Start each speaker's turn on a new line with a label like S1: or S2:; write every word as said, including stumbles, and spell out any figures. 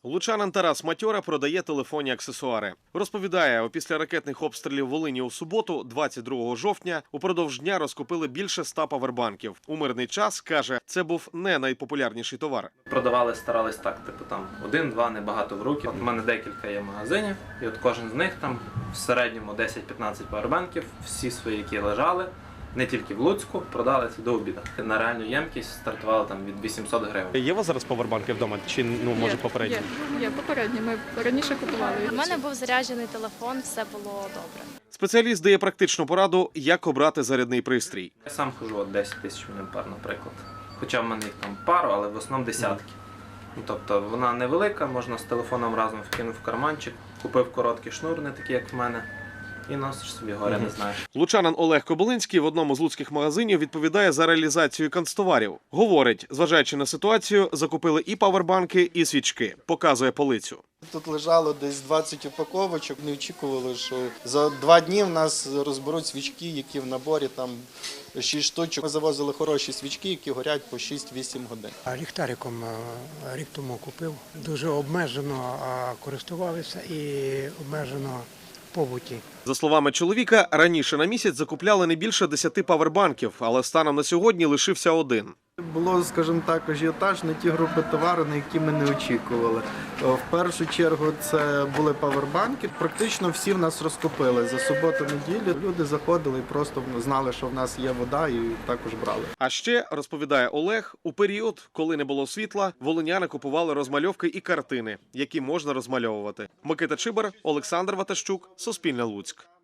S1: Лучанин Тарас Матьора продає телефонні аксесуари. Розповідає, після ракетних обстрілів Волині у суботу, двадцять другого жовтня, упродовж дня розкупили більше ста павербанків. У мирний час, каже, це був не найпопулярніший товар.
S2: Продавали, старались так, типу там один-два, небагато в руки. От у мене декілька є магазинів, і от кожен з них там в середньому десять-п'ятнадцять павербанків, всі свої, які лежали, не тільки в Луцьку, продали це до обіду. На реальну ємкість стартували там від вісімсот гривень.
S1: Є у вас зараз павербанки вдома? Чи, ну, може,
S3: Є,
S1: попередні?
S3: Є, є, попередні. Ми раніше купували.
S4: У мене був заряджений телефон, все було добре.
S1: Спеціаліст дає практичну пораду, як обрати зарядний пристрій.
S2: Я сам хожу от десять тисяч мА, наприклад. Хоча в мене їх там пару, але в основному десятки. Ну, тобто вона невелика, можна з телефоном разом вкинув в карманчик, купив короткий шнур, не такий, як в мене, і носиш собі, горя не знаєш.
S1: Лучанин Олег Кобилинський в одному з луцьких магазинів відповідає за реалізацію канцтоварів. Говорить, зважаючи на ситуацію, закупили і павербанки, і свічки. Показує полицю.
S5: Тут лежало десь двадцять упаковочок. Не очікували, що за два дні в нас розберуть свічки, які в наборі там шість штучок. Ми завозили хороші свічки, які горять по шість-вісім годин.
S6: Ліхтариком рік тому купив. Дуже обмежено користувалися і обмежено в побуті.
S1: За словами чоловіка, раніше на місяць закупляли не більше десяти павербанків, але станом на сьогодні лишився один.
S5: Було, скажімо так, ажіотаж на ті групи товару, на які ми не очікували. В першу чергу це були павербанки. Практично всі в нас розкупили. За суботу-неділю люди заходили і просто знали, що в нас є вода, і також брали.
S1: А ще, розповідає Олег, у період, коли не було світла, волиняни купували розмальовки і картини, які можна розмальовувати. Микита Чибар, Олександр Ватащук, Суспільне Луцьк.